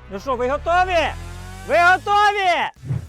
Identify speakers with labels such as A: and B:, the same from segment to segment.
A: Ну що, ви готові? Ви готові?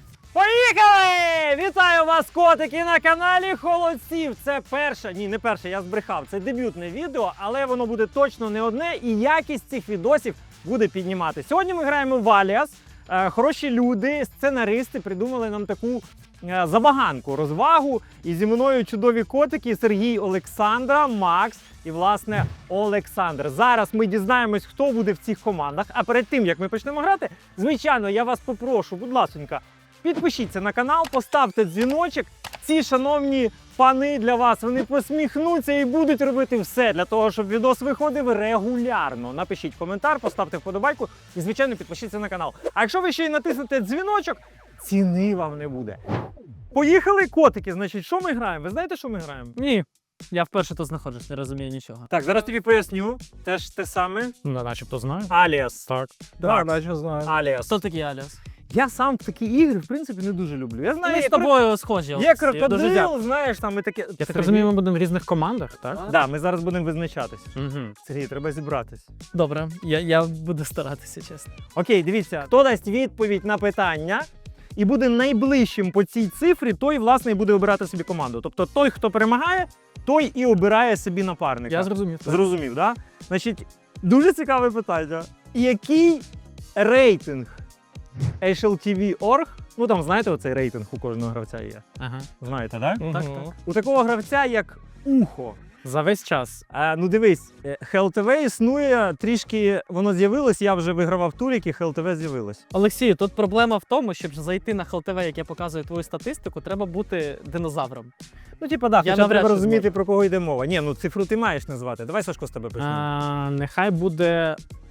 A: Поїхали! Вітаю вас, котики, на каналі Холодців. Це перше, ні, не перше, я збрехав. Це дебютне відео, але воно буде точно не одне, і якість цих відосів буде піднімати. Сьогодні ми граємо в Аліас. Хороші люди, сценаристи придумали нам таку забаганку, розвагу. І зі мною чудові котики Сергій, Олександра, Макс і, власне, Олександр. Зараз ми дізнаємось, хто буде в цих командах. А перед тим, як ми почнемо грати, звичайно, я вас попрошу, будь ласонька, підпишіться на канал, поставте дзвіночок. Ці шановні пани для вас, вони посміхнуться і будуть робити все для того, щоб відос виходив регулярно. Напишіть коментар, поставте вподобайку і, звичайно, підпишіться на канал. А якщо ви ще й натиснете дзвіночок, ціни вам не буде. Поїхали, котики. Значить, що ми граємо? Ви знаєте, що ми граємо?
B: Ні. Я вперше тут знаходжусь, не розумію нічого.
A: Так, зараз тобі поясню. Теж те саме.
B: Ну, начебто знаю.
A: Аліас.
B: Так.
A: Так,
C: наче знаю.
A: Аліас.
B: Хто такий Аліас?
A: Я сам в такі ігри, в принципі, не дуже люблю. Я знаю,
B: Ми з
A: є
B: тобою схожі.
A: є
B: Олексій, дуже
A: крокодил,
B: дякую.
A: знаєш, там і таке.
B: Я так розумію, ми будемо в різних командах, так?
A: Да, ми зараз будемо визначатись.
B: Угу.
A: Сергій, треба зібратись.
B: Добре, я буду старатися, чесно.
A: Окей, дивіться, хто дасть відповідь на питання і буде найближчим по цій цифрі, той, власне, і буде обирати собі команду. Тобто той, хто перемагає, той і обирає собі напарника.
B: Я зрозумів. так.
A: Зрозумів, так? Да? Значить, дуже цікаве питання. Який рейтинг HLTV.org, ну там, знаєте, оцей рейтинг у кожного гравця є.
B: Ага.
A: Знаєте, так?
B: Так, так.
A: У такого гравця, як Ухо.
B: За весь час.
A: Ну дивись, HLTV існує трішки, воно з'явилось, я вже вигравав турік і HLTV з'явилось.
B: Олексію, тут проблема в тому, щоб зайти на ХЛТВ, яке показує твою статистику, треба бути динозавром.
A: Ну, типа, да,
B: Я
A: хоча
B: навряд
A: треба
B: чи
A: розуміти,
B: зможу.
A: про кого йде мова. Ні, ну цифру ти маєш назвати. Давай, Сашко, з тебе почнемо.
B: Нехай буде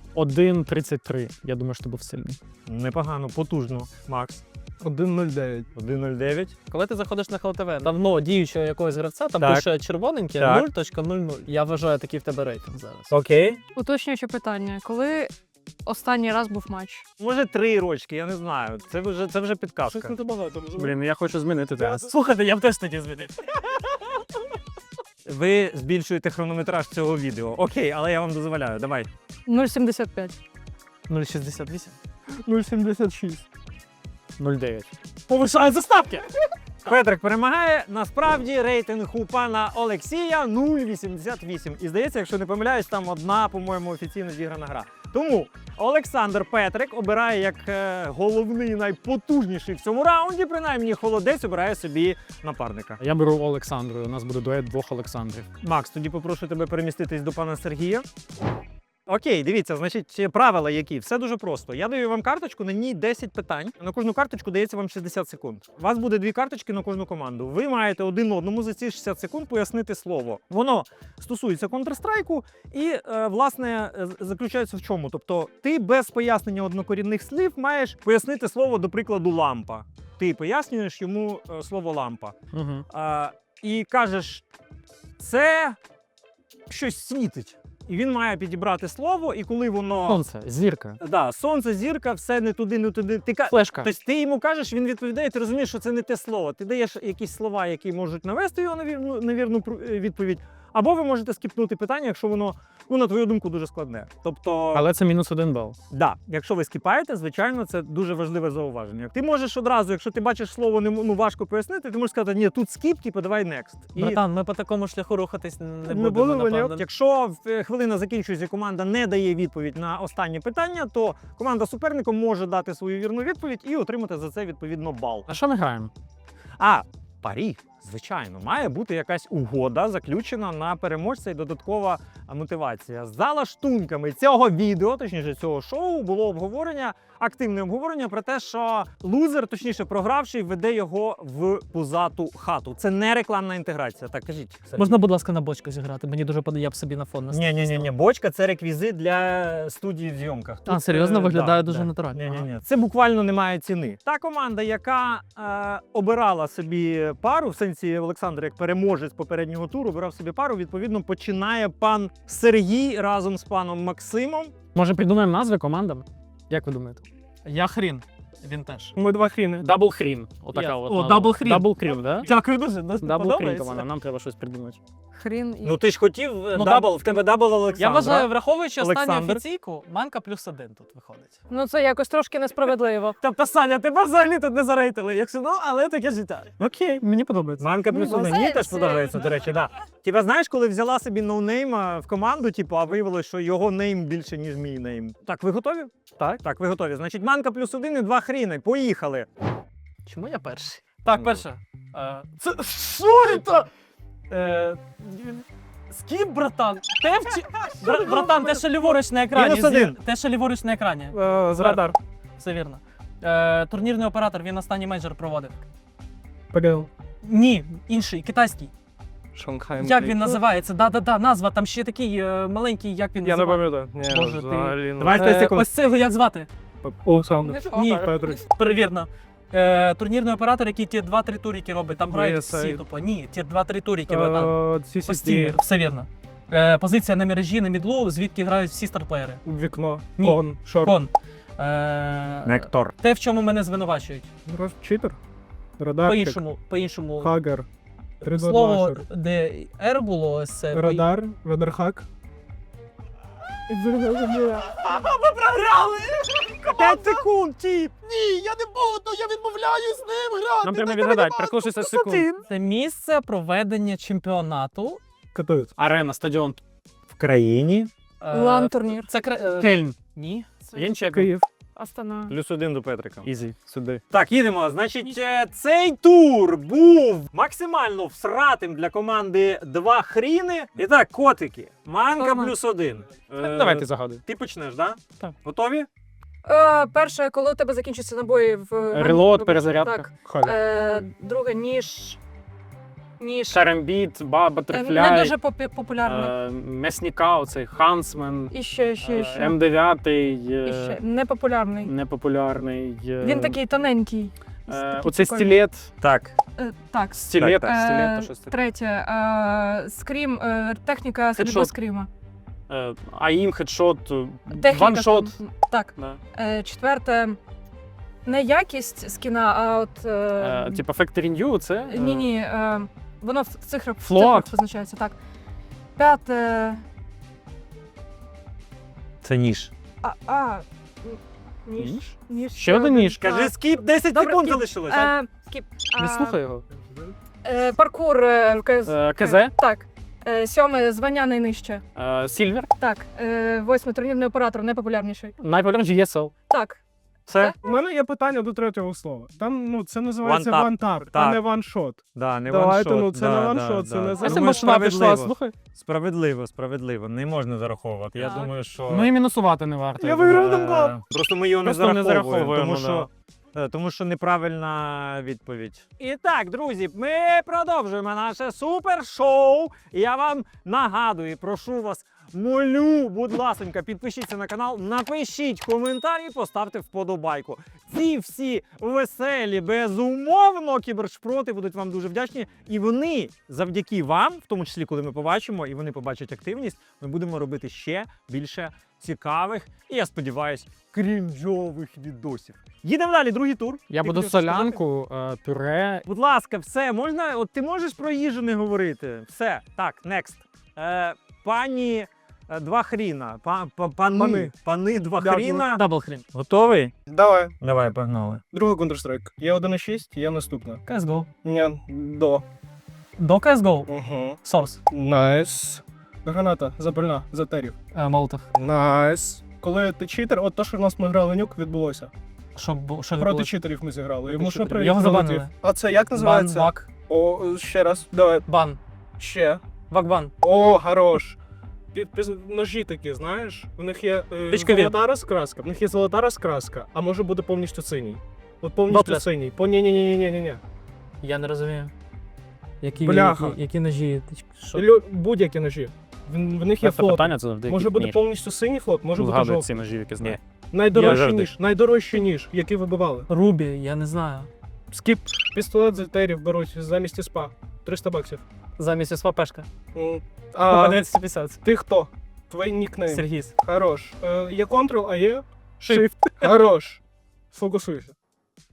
B: 1.33. Я думаю, що був сильний.
A: Непогано, потужно. Макс.
C: 1.09.
A: 1.09.
B: Коли ти заходиш на ХЛТВ, давно діючого якогось гравця, там
A: Так.
B: пише червоненьке
A: Так.
B: 0.00. Я вважаю, такий в тебе рейтинг зараз.
A: Окей.
D: Уточнююче питання. Коли останній раз був матч?
A: Може 3 рочки, я не знаю. Це вже підказка.
B: багато.
C: Блін, я хочу змінити зараз.
B: Слухайте, я б теж тоді змінив.
A: Ви збільшуєте хронометраж цього відео. Окей, але я вам дозволяю. Давай.
D: 0,75.
B: 0,68.
C: 0.76.
B: 0,9. Повишають заставки!
A: Петрик перемагає. Насправді рейтинг у пана Олексія 0,88. І здається, якщо не помиляюсь, там одна, по-моєму, офіційно зіграна гра. Тому Олександр Петрик обирає як головний, найпотужніший в цьому раунді, принаймні холодець обирає собі напарника.
C: Я беру Олександру, у нас буде дует двох Олександрів.
A: Макс, тоді попрошу тебе переміститись до пана Сергія. Окей, дивіться, значить, правила які. Все дуже просто. Я даю вам карточку, на ній 10 питань. На кожну карточку дається вам 60 секунд. У вас буде 2 карточки на кожну команду. Ви маєте один одному за ці 60 секунд пояснити слово. Воно стосується Counter-Strike і, власне, заключається в чому? Тобто, ти без пояснення однокорінних слів маєш пояснити слово, до прикладу, лампа. Ти пояснюєш йому слово лампа.
B: Угу.
A: І кажеш, це щось світить. І він має підібрати слово, і коли воно...
B: Сонце, зірка,
A: Да, сонце, зірка, все не туди, не туди.
B: флешка.
A: Тобто ти йому кажеш, він відповідає, ти розумієш, що це не те слово. Ти даєш якісь слова, які можуть навести його на вірну відповідь. Або ви можете скіпнути питання, якщо воно, ну, на твою думку, дуже складне. Тобто,
B: Але це мінус 1 бал.
A: да, якщо ви скіпаєте, звичайно, це дуже важливе зауваження. Ти можеш одразу, якщо ти бачиш слово, важко пояснити, ти можеш сказати, ні, тут скіп, типу, давай next.
B: Братан, ми по такому шляху рухатись не
A: Не
B: будемо,
A: було,
B: напевно.
A: Якщо хвилина закінчується і команда не дає відповідь на останнє питання, то команда суперника може дати свою вірну відповідь і отримати за це відповідно бал.
B: А що ми граємо?
A: Парі, звичайно, має бути якась угода, заключена на переможця і додаткова мотивація. За лаштунками цього відео, точніше цього шоу, було обговорення, активне обговорення про те, що лузер, точніше програвший, веде його в пузату хату. Це не рекламна інтеграція. Так, кажіть. Сергій.
B: Можна, будь ласка, на бочку зіграти? Мені дуже подобає, я б собі на фон наставив.
A: Ні, бочка це реквізит для студії в зйомках.
B: А, серйозно? Виглядає дуже натурально.
A: Ні. Це буквально не має ціни. Та команда, яка обирала собі пару, в сенсі Олександр, як переможець попереднього туру, обирав собі пару, відповідно, починає пан Сергій разом з паном Максимом.
B: Може, придумаємо назви командам? Як ви думаєте? Я хрін. Він теж.
C: Ми два хріни. Дабл хрін. Отака
B: Я-
C: от.
B: О,
C: назва.
B: дабл хрін.
C: Дабл хрін, да?
B: Дякую дуже.
C: Дабл хрін, команда, нам треба щось придумати.
D: Хрін і
A: Ну ти ж хотів
B: Ну,
A: дабл, в тебе дабл Олександра.
B: Я вважаю, враховуючи останню
A: Олександр.
B: офіційку, манка плюс 1 тут виходить.
D: ну це якось трошки несправедливо.
B: Тобто, Саня, тебе взагалі тут не зарейтили, якщо ну, але таке життя.
A: Окей.
C: Мені подобається.
A: Манка плюс
D: Ну,
A: один.
D: це-
A: Мені теж
D: це-
A: подобається, до речі, да. Типа, знаєш, коли взяла собі ноунейма в команду, типу, а виявилось, що його нейм більше, ніж мій нейм. Так, ви готові?
C: Так.
A: Так, ви готові. Значить, манка плюс один і два хріни. Поїхали.
B: Чому я перший? Так,
A: Ну,
B: перше. Це що це? Скіп, братан? Те, братан, те, що ліворуч на екрані.
A: Мінус один.
B: Те, що ліворуч на екрані.
C: З радар.
B: Все вірно. Турнірний оператор, він останній мейджор проводив.
C: ПГЛ.
B: Ні, інший, китайський.
C: Шанхай.
B: Як він називається? Да, назва, там ще такий маленький, як він
C: Я не
B: називається.
C: пам'ятаю.
B: Боже, ти.
A: Давай 5 секунд.
B: Ось цього як звати?
C: Олександр.
B: Ні,
C: Петрик.
B: перевірно. Турнірний оператор, який ті 2-3 туріки робить, там грають всі
C: VSA.
B: тупо. Ні, ті 2-3 туріки. там. Постійно,
C: CCD.
B: все вірно. Позиція на мережі, на мідлу, звідки грають всі старплеєри.
C: Вікно.
B: Ні.
C: Кон. Шорт.
B: Кон.
A: Нектор.
B: Те, в чому мене звинувачують.
C: Читер. Радарчик.
B: По-іншому.
C: Хагер. 3-2-2
B: Слово,
C: шорт.
B: де R було, ось це.
C: Радар. Радархак.
A: 5 секунд, тіп.
B: Ні, я не буду, я відмовляюсь з ним грати.
C: Нам треба відгадати. Прошу 60 секунд.
B: Це місце проведення чемпіонату.
C: Катують. Арена, стадіон.
A: В країні.
D: Лан-турнір.
B: Це
C: Кельн.
B: Ні.
C: Янчек. Київ.
D: Астана.
A: Плюс один до Петрика.
C: Ізі. Сюди.
A: Так, їдемо. Значить, цей тур був максимально всратим для команди два хріни. І так, котики. Манка
D: Нормально.
A: плюс один.
C: Давайте загадуй.
A: Ти почнеш, да?
C: Так.
A: Готові?
D: Перше, коли у тебе закінчаться набої в
C: Релот, перезарядка.
D: Так.
C: Халя.
D: Друге, ніж.
C: Шарембіт,
D: Не
C: Батерфляй.
D: дуже популярний.
C: М'ясника, оцей Хансмен.
D: І ще.
C: М9.
D: І ще. Непопулярний.
C: Непопулярний.
D: Він такий тоненький.
C: Оцей
D: прикольний.
C: стілет.
A: Так.
D: Так.
C: Стілет.
D: Е,
C: Стілет, щось таке.
D: Третє. Скрім. Техніка стрільби
C: Хедшот.
D: скріма.
C: Аїм, хедшот,
D: Техніка.
C: ваншот.
D: Так.
C: Да.
D: Четверте. Не якість скіна, а от.
C: Типа Factory New, це?
D: Ні. Воно в цифрах
C: Флот.
D: позначається, так. П'яте.
A: Це ніж.
D: Ніж.
C: Ще один ніж.
A: Кажи скіп, 10
D: Добре,
A: секунд
D: скіп.
A: залишилось.
D: Скіп.
C: Не слухай його.
D: Паркур.
C: КЗ.
D: Так. Сьоме звання найнижче.
C: Сільвер.
D: Так. Восьме турнірний оператор, найпопулярніший.
C: Найпопулярніший ESL.
D: Так.
A: Все?
E: У мене є питання до третього слова. Там це називається
A: One tap.
E: вантап, а
A: Так.
E: не ваншот.
A: Да, не
E: Давайте,
A: ваншот.
E: це не ваншот, це не
C: А
E: Думаю,
C: це машина пішла, слухай.
A: Справедливо. Не можна зараховувати. Я
D: Так.
A: думаю, що...
C: Ну і мінусувати не варто.
E: Я виграв Дамблдор.
A: Просто ми його
C: Просто не
A: не зараховуємо,
C: зараховуємо,
A: тому що неправильна відповідь. І так, друзі, ми продовжуємо наше супершоу. І я вам нагадую, і прошу вас, молю, будь ласенька, підпишіться на канал, напишіть коментарі, поставте вподобайку. Ці всі веселі, безумовно, кібершпроти будуть вам дуже вдячні. І вони завдяки вам, в тому числі, коли ми побачимо, і вони побачать активність, ми будемо робити ще більше цікавих і, я сподіваюсь, крінжових відосів. Їдемо далі, другий тур.
C: Я
A: Ти
C: буду
A: хотів щось сказати?
C: солянку, пюре.
A: Будь ласка, все, можна, от ти можеш про їжу не говорити. Все, так, next. Пані два хріна. Пани два
E: Дякую.
A: хріна.
B: Дабл хрін.
A: Готовий?
E: Давай.
A: Давай, погнали.
E: Друга Counter-Strike. Є 1.6, є наступна.
B: CSGO.
E: Ні, до.
B: До CSGO.
E: Угу.
B: Source.
E: Найс. Граната, запальна, затерів.
B: Молотов.
E: Найс. Коли ти читер, от то, що в нас ми грали нюк, відбулося.
B: Що
E: Проти
B: відбулося?
E: читерів ми зіграли.
B: Проти
E: Йому що
B: читерів. Його забанили.
E: А це як називається?
B: Вак.
E: О, ще раз. Давай.
B: Бан.
E: Ще.
B: Вак-бан.
E: О, хорош. Ножі такі, знаєш, в них є
B: Пічкові.
E: золота розкраска, в них є золота розкраска, а може бути повністю синій. От повністю
B: Дотлес.
E: синій. Ні-ні-ні-ні-ні.
B: Я не розумію. Які,
E: Бляха.
B: які ножі? Що?
E: Будь-які ножі. В них є
C: Це
E: флот.
C: питання, це завжди.
E: Може бути повністю синій флот, може бути
C: Згадують
E: жовтий.
C: ці ножі, які знаю.
E: Найдорожчий ніж, який вибивали.
B: Рубі, я не знаю.
E: Скіп. Пістолет з етерів беруть замість СПА. $300.
B: Замість СВПшка.
E: А
B: 250.
E: ти хто? Твій нікнейм.
B: Сергіс.
E: Хорош. Є Ctrl, а є Shift. Хорош. Фокусуйся.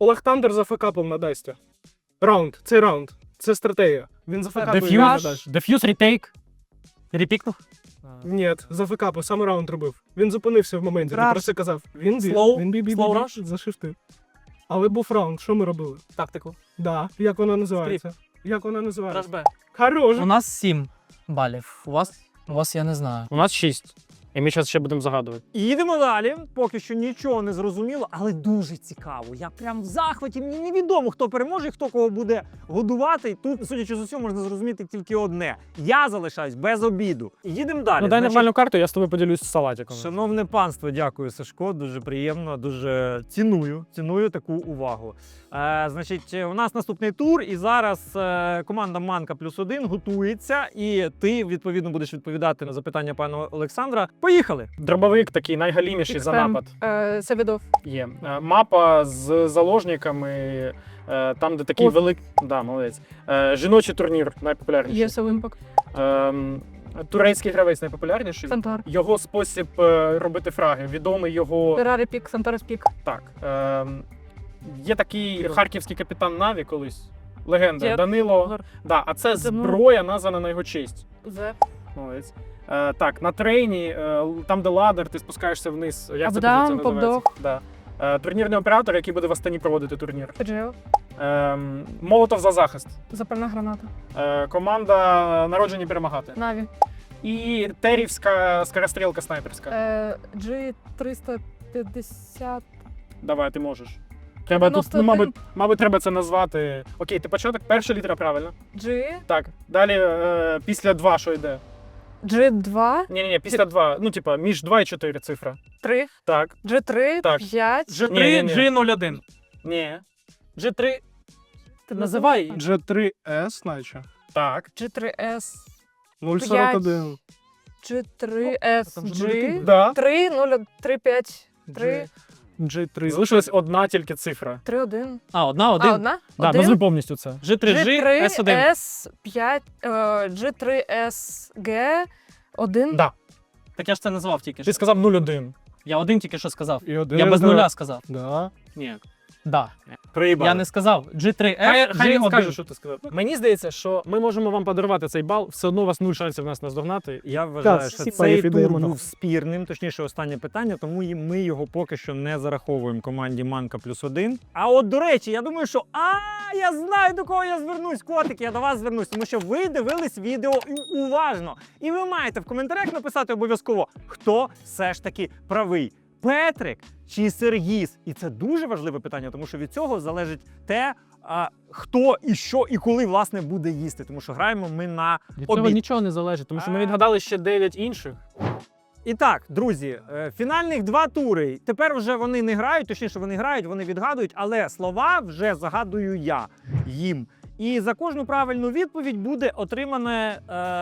E: Олег Тандер зафекапив на Дасті. Раунд, цей раунд. Це стратегія. Він зафекапив на
C: Деф'юз,
E: Дасті.
C: деф'юз, ретейк.
B: Репікнув?
E: Ні, зафекапив, саме раунд робив. Він зупинився в моменті,
B: Раш.
E: він просто казав. Він
B: Слоу?
E: бі,
B: Слоу раш?
E: зашифтив. Але був раунд, що ми робили?
B: Тактику.
E: Да, як вона називається? Як вона називається?
B: Раш Б.
E: Хорош.
B: У нас 7 балів. У вас я не знаю.
C: У нас 6. І ми зараз ще будемо загадувати.
A: І їдемо далі. Поки що нічого не зрозуміло, але дуже цікаво. Я прям в захваті. Мені невідомо, хто переможе і хто кого буде годувати. І тут, судячи з усього, можна зрозуміти тільки одне. Я залишаюсь без обіду. І їдемо далі.
C: Ну дай
A: Значить,
C: нормальну карту, я з тобою поділюсь з салатиком.
A: Шановне панство, дякую, Сашко. Дуже приємно, дуже ціную таку увагу. Значить, у нас наступний тур, і зараз команда Манка +1 готується, і ти відповідно будеш відповідати на запитання пана Олександра. Поїхали!
C: Дробовик такий найгаліміший за
D: Ікспен.
C: напад.
D: Севідов.
C: Є. Мапа з заложниками, там, де такий
D: Оф.
C: великий. Да, молодець. Жіночий турнір найпопулярніший.
D: Єсел Імпакт.
C: Турецький гравець найпопулярніший.
D: Сантар.
C: Його спосіб робити фраги. Відомий його.
D: Феррарі Пік, Сантарес Пік.
C: Так. Є такий харківський капітан Наві колись. Легенда.
D: Дід.
C: Данило.
D: Гор.
C: Да, а це
D: Це
C: зброя, названа на його честь.
D: Зе.
C: Молодець. Так, на трейні, там, де ладер, ти спускаєшся вниз. Як це
D: Апдаун,
C: позиція називається?
D: попдог.
C: Да. Турнірний оператор, який буде в Астані проводити турнір.
D: Феджео.
C: Молотов за захист.
D: Запальна граната.
C: Команда народжені перемагати.
D: Наві.
C: І терівська скорострілка снайперська.
D: G350.
C: Давай, ти можеш. Треба тут,
D: 91.
C: мабуть, треба це назвати. Окей, ти початок, перша літера, правильно.
D: G.
C: Так, далі після 2 що йде?
D: G2.
C: Ні, після 2, ну, типа, між 2 і 4 цифра.
D: 3.
C: Так,
D: G3.
C: Так.
D: 5.
C: Ні.
B: G01.
C: ні,
B: G3.
D: Ти
B: Називай.
E: G3S, наче.
C: так.
D: G3S.
E: 041.
D: G3S.
B: Там же
D: G.
C: Да.
D: 3, 0, 3, 5. 3,
E: G3.
C: Залишилась одна тільки цифра.
D: 3, 1.
B: А, одна.
D: Одна?
C: Да,
D: Один?
C: назви повністю це.
B: G3G, S1.
D: G3S5, G3SG 1.
C: Да.
B: Так я ж це назвав тільки
C: Ти
B: що.
C: сказав 0-1.
B: Я один тільки що сказав.
E: І один.
B: Я без нуля сказав.
E: Да.
B: Ні.
C: Да.
A: Приїбали.
B: Я не сказав. G3S,
C: Хай він скаже,
B: G1.
C: що ти сказав. Мені здається, що ми можемо вам подарувати цей бал, все одно у вас 0 шансів нас наздогнати.
A: Я вважаю,
E: Так,
A: що
E: всі
A: цей
E: паїв
A: тур
E: ідемо
A: був
E: нахуй.
A: спірним, точніше, останнє питання, тому і ми його поки що не зараховуємо команді Манка +1. А от, до речі, я думаю, що я знаю, до кого я звернусь, котики, я до вас звернусь, тому що ви дивились відео уважно. І ви маєте в коментарях написати обов'язково, хто все ж таки правий. Петрик чи Сергіс? І це дуже важливе питання, тому що від цього залежить те, хто і що і коли власне буде їсти. Тому що граємо ми на
C: Від цього
A: обід.
C: нічого не залежить, тому що ми відгадали ще 9 інших.
A: І так, друзі, фінальних 2 тури. Тепер вже вони не грають, точніше, вони грають, вони відгадують, але слова вже загадую я їм. І за кожну правильну відповідь буде отримане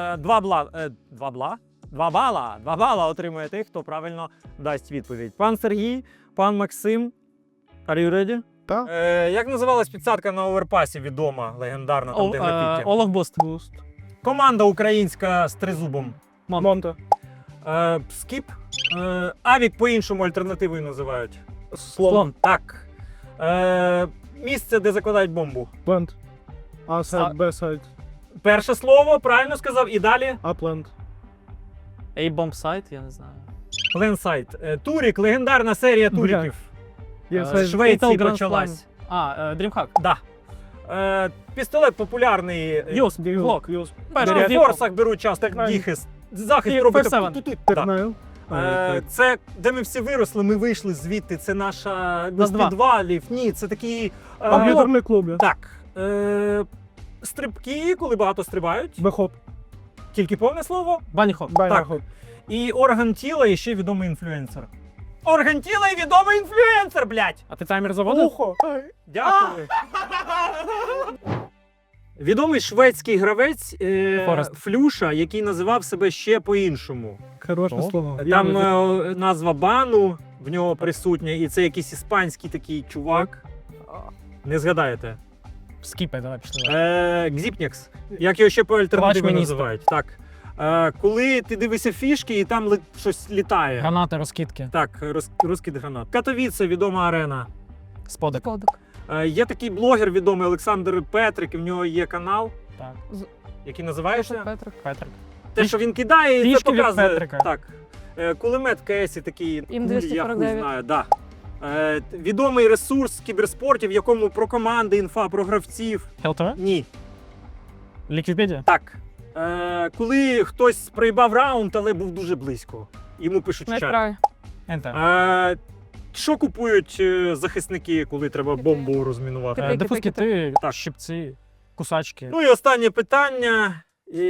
A: 2 бала отримує той, хто правильно дасть відповідь. Пан Сергій, пан Максим. Are you ready?
E: Так.
A: Як називалась підсадка на оверпасі відома, легендарна, там де графіті?
B: Олаф Буст.
A: Команда українська з тризубом.
E: Монта.
A: Скіп. Авік по-іншому альтернативою називають.
B: Слон.
A: Так. Місце, де закладають бомбу.
E: Плент. А-сайд, Б-сайд.
A: Перше слово, правильно сказав, і далі
E: А-плент.
B: A-bomb site, я не знаю.
A: Ленсайт. Турік, легендарна серія
E: Бля.
A: туріків.
E: Є
A: З Швеції
B: Fatal Grand
A: почалась.
B: DreamHack.
A: Да. Пістолет популярний.
B: Юс, Глок.
A: На форсах беруть часто діхис. Захист робити.
B: Персевен.
A: Ту-ту-ту. Да.
E: Тернайл.
A: Це де ми всі виросли, ми вийшли звідти. Це наша
B: Нас
A: з
B: два.
A: підвалів. Ні, це такі.
E: Комп'ютерний клуб. я.
A: Так. Стрибки, коли багато стрибають.
E: Бехоп.
A: Тільки повне слово.
B: Баніхоп.
E: Байнахоп.
A: І орган тіла, і ще відомий інфлюенсер. Орган тіла і відомий інфлюенсер, блядь!
C: А ти таймер заводив?
E: Ухо.
A: Дякую. Відомий шведський гравець
C: Форест.
A: Флюша, який називав себе ще по-іншому.
E: Хороше
C: О.
E: слово.
A: Там назва бану в нього присутня, і це якийсь іспанський такий чувак. Не згадаєте.
C: Скіпай, давай пішли.
A: Гзіпнекс. Як його ще по альтернативі
C: Плащ міністра.
A: називають. Так. Коли ти дивишся фішки і там щось літає.
C: Гранати, розкидки.
A: Так, розкид гранат. Катовіце, відома арена.
C: Сподик.
D: Подок.
A: Є такий блогер відомий Олександр Петрик, і в нього є канал,
C: Так.
A: який називається
D: Петрик.
C: Петрик.
A: те, що він кидає, і це
C: Трішки від
A: показує.
C: Петрика.
A: Так. Кулемет КС такий,
D: Ім
A: кулі, я
D: 249.
A: хуй знаю, да. Відомий ресурс кіберспортів, в якому про команди, інфа, про гравців.
C: ХЛТВ?
A: Ні.
C: Ліквідпедія?
A: Так. Коли хтось проїбав раунд, але був дуже близько. Йому пишуть в чат.
D: Найправі.
C: Ентер.
A: Що купують захисники, коли треба бомбу розмінувати?
D: Кити.
C: Дифуз кити,
A: Так.
C: щипці, кусачки.
A: Ну і останнє питання.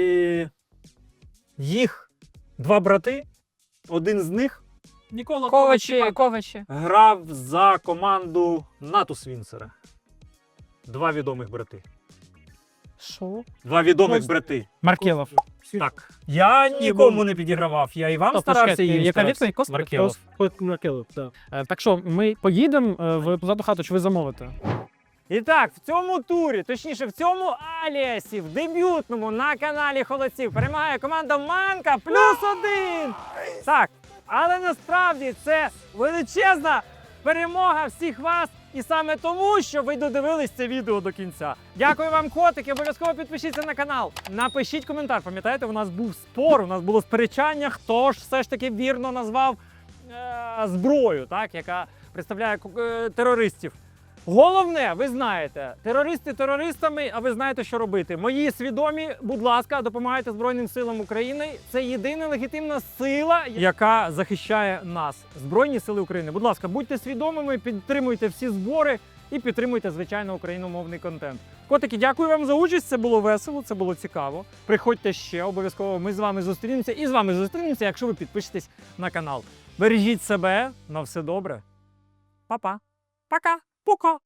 A: Їх 2 брати. Один з них
C: Нікола
D: Ковачі.
A: грав за команду Натус Вінсера. 2 відомих брати.
B: Що?
A: 2 відомих
E: Просто-
A: брати.
C: Маркелов.
A: Так. Я нікому не підігравав. Я і вам
C: Стоп,
A: старався,
C: почекайте,
A: і їм
C: яка
A: старався.
C: відповідь? Костя?
A: Маркелов.
E: Маркелов, так.
C: Так що, ми поїдемо в позаду хату, чи ви замовите?
A: І так, в цьому турі, точніше, в цьому аліасі, в дебютному на каналі Холодців перемагає команда Манка +1. Так, але насправді це величезна перемога всіх вас. І саме тому, що ви додивились це відео до кінця. Дякую вам, котики. Обов'язково підпишіться на канал. Напишіть коментар. Пам'ятаєте, у нас був спор, у нас було сперечання, хто ж все ж таки вірно назвав зброю, так, яка представляє терористів. Головне, ви знаєте, терористи терористами, а ви знаєте, що робити. Мої свідомі, будь ласка, допомагайте Збройним силам України. Це єдина легітимна сила, яка захищає нас. Збройні сили України. Будь ласка, будьте свідомими, підтримуйте всі збори і підтримуйте, звичайно, україномовний контент. Котики, дякую вам за участь. Це було весело, це було цікаво. Приходьте ще, обов'язково ми з вами зустрінемося. І з вами зустрінемося, якщо ви підпишетесь на канал. Бережіть себе, на все добре. Па-па. Пока. Пока.